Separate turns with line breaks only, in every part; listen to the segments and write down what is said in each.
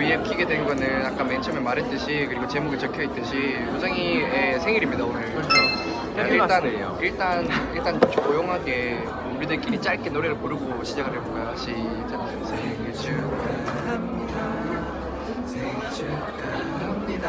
위에 키게 된 거는 아까 맨 처음에 말했듯이 그리고 제목에 적혀 있듯이 우정이의 생일입니다 오늘.
그렇죠. 해피 바스데이예요.
일단 조용하게 우리들끼리 짧게 노래를 부르고 시작을 해볼까요? 시작. 생일 축하합니다. 생일 축하합니다.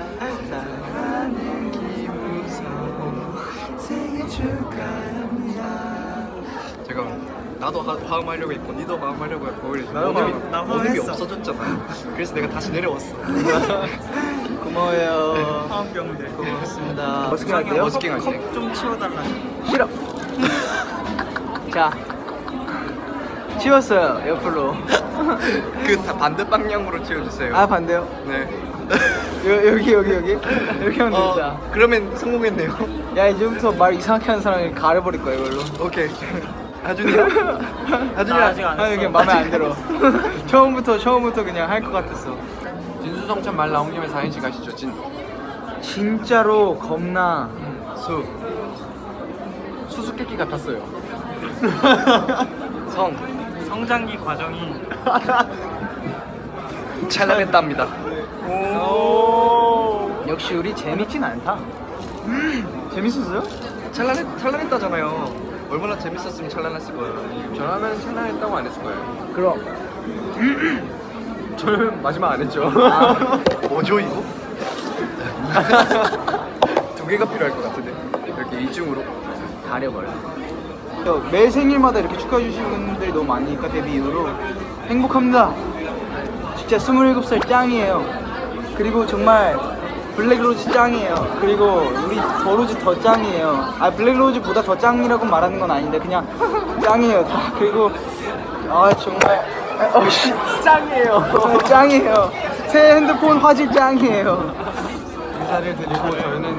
사랑하는 김우성 생일 축하합니다. 잠깐만. 나도 화음하려고 했고 니도 화음하려고 했고
나도 나
원음이
화음했어.
없어졌잖아. 그래서 내가 다시 내려왔어.
고마워요.
화음병들.
고맙습니다.
머스킹 할게요? 머스킹 할게.
컵좀 치워달라.
싫어. 자, 치웠어요 옆으로.
그 반대 방향으로 치워주세요.
아 반대요?
네.
여기 이렇게 하면 됩니다.
그러면 성공했네요.
야 이제부터 말 이상하게 하는 사람이 가려버릴 거야 이걸로.
오케이. 하준이야?
나 아직 안
아
했어.
이게 마음에 안 들어. 처음부터 그냥 할 것 같았어.
진수성찬 말 나온 김에 4인씩 가시죠.
진짜로 겁나.
수수께끼 같았어요.
성장기 과정이
찰나했답니다.
역시 우리 재밌진 않다. 재밌었어요?
찰나했다잖아요. 얼마나 재밌었으면 찰나했을 거예요.
전화면 생각했다고 안 했을 거예요.
그럼.
저는 마지막 안 했죠.
뭐죠 이거? 두 개가 필요할 것 같은데. 이렇게 이중으로.
가려버려. 매 생일마다 이렇게 축하해 주시는 분들이 너무 많으니까 데뷔 이후로 행복합니다. 진짜 27살 짱이에요. 그리고 정말 블랙로즈 짱이에요. 그리고 우리 더로즈 더 짱이에요. 아 블랙로즈보다 더 짱이라고 말하는 건 아닌데 그냥 짱이에요 다. 그리고 아 정말 짱이에요. 짱이에요. 새 핸드폰 화질 짱이에요.
인사를 드리고 저희는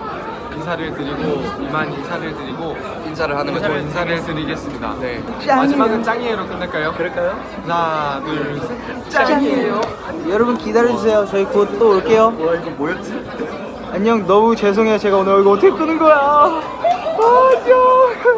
인사를 드리고
인사를 하는 거죠.
인사를 드리겠습니다.
네.
마지막은 짱이에요로 끝낼까요?
그럴까요?
하나, 둘, 셋.
짱이에요. 여러분 기다려주세요. 저희 곧 또 올게요.
와 이거 뭐였지?
안녕. 너무 죄송해요. 제가 오늘 이거 어떻게 끄는 거야? 아, 저.